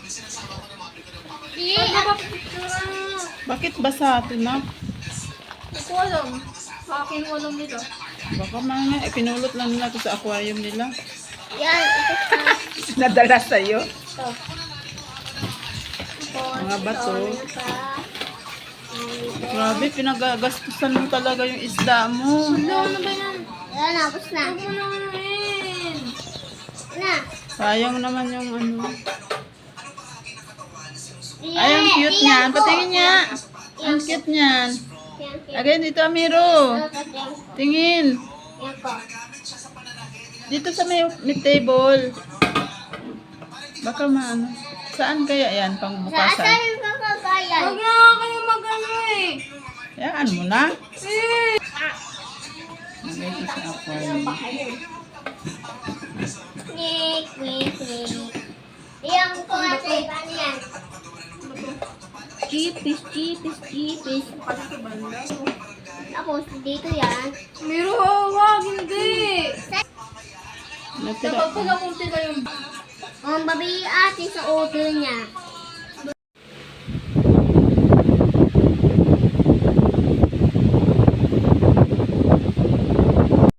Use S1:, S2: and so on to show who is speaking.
S1: Bakit basa ito na?
S2: Hindi ko alam. Sa akin walang nito.
S1: Baka mga ipinulot lang nila ito sa aquarium nila.
S2: Yan, ito pa.
S1: Nadala sa'yo.
S2: Ito.
S1: Mga bato.
S2: Ito pa.
S1: Grabe, pinagagastusan mo talaga yung isda mo.
S2: Ano ba yan? Ayan, tapos na. Huwag mo naman rin. Na.
S1: Sayang naman yung ano. Ay, ang cute niyan. Patingin niya. Ang cute niyan. Again, dito, Amiro. Tingin.
S2: Yan ko.
S1: Dito sa may table. Baka maano. Saan kaya yan?
S2: Saan
S1: Pangbukasan.
S2: yung kakagayan?
S3: Huwag na kayo mag-ano eh.
S1: Yan mo na.
S3: Eh.
S1: Lagay ko sa aquarium.
S2: Nik, nik, nik. Iyan ko ate. Paano yan?
S3: Chipis, chipis, chipis.
S2: Tapos, dito yan.
S3: Miro, wag, hindi.
S1: Natira.
S3: Kapag pala kung tila yung
S2: Ang babi ate sa ulo niya.